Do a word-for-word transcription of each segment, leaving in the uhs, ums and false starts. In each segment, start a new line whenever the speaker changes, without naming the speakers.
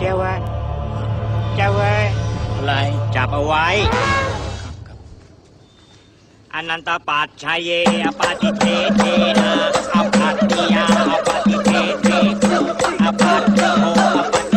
จ้าว่าเจ้าเว้ย
อะไร
จับเอาไว้อนันตปัจชัยเยอปาติเทเทนะอปัตติยาอปาติเทเทอปัตติโมอปาติ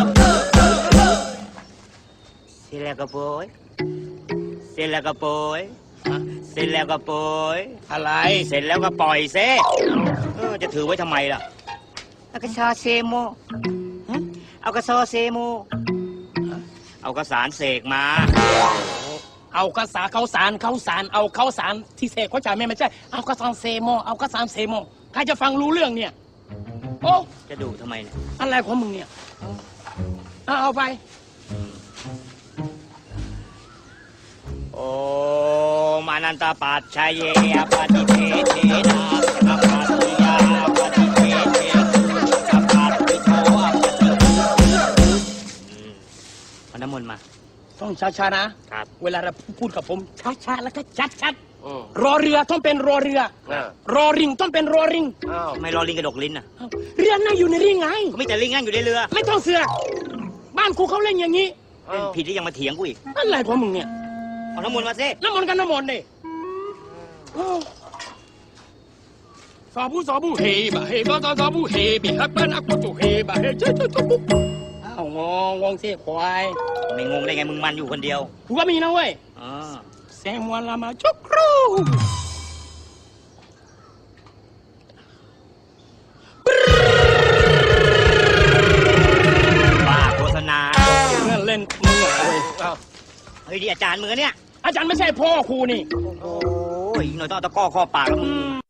เสร็จแล้วก็โปยเสร็จแล้วก็โปยเสร็จแล้วก็โปย
อะไร
เสร็จแล้วก็ปล่อยเซเออจะถือไว้ทำไมล่ะเอากระซอเซโมเอากระซอเซโมเอากระสารเสกมา
เอากระสาเขาสารเขาสารเอาเขาสารที่เสกเขาจ่ายไม่ไม่ใช่เอากระสานเซโมเอากระสานเซโมใครจะฟังรู้เรื่องเนี่ยโอ้
จะดูทำไมเนี่ย
อะไรของมึงเนี่ยเอาเอาไป
โอ้มานันตปัจชัยเยอปาติเทเทนะอปัตติยาอปาติเทเทอปัตติโทอปาติเอาน้ำมนต์มา
ต้องช้าๆนะครับ เวลาเราพูดกับผมช้าๆแล้วก็ชัดๆรอเรือต้องเป็นรอเรือรอริงต้องเป็นรอริง
ทำไมรอลิงกระดกลิ้นอ่ะ
เรือนั่งอยู่ในริงไง
ก็มีแต่ลิงนั่งอยู่ในเรือ
ไม่ต้องเสือกบ้านกูเขาเล่นอย่างนี้
เล่นผิดที่ยังมาเถียงกูอีก
อะไรของมึงเนี่ย
เอาน้ำมนต์มาสิ
น้ำมนต์กันน้ำมนต์ดิสาบูสาบูเฮบะเฮก็สาบูเฮบิฮับบ้านอักตุเฮบะเฮเจ้าเจ้าเจ้าปุ๊บอ้าวงงงงเสียควาย
ไม่งงได้ไงมึงมันอยู่คนเดียว
กูก็มีนะเว้ย
อ๋อ
แซมวันละมาจุกครู
บ้าโฆษณา
เล่นเล่นมึงอะไร
เฮ้ยดิอาจารย์มึงอะเนี่ย
อาจารย์ไม่ใช่พ่อครูนี่
โอ้ยอีกหน่อยต้องเอาตะกร้อข้อปากแล้วมึง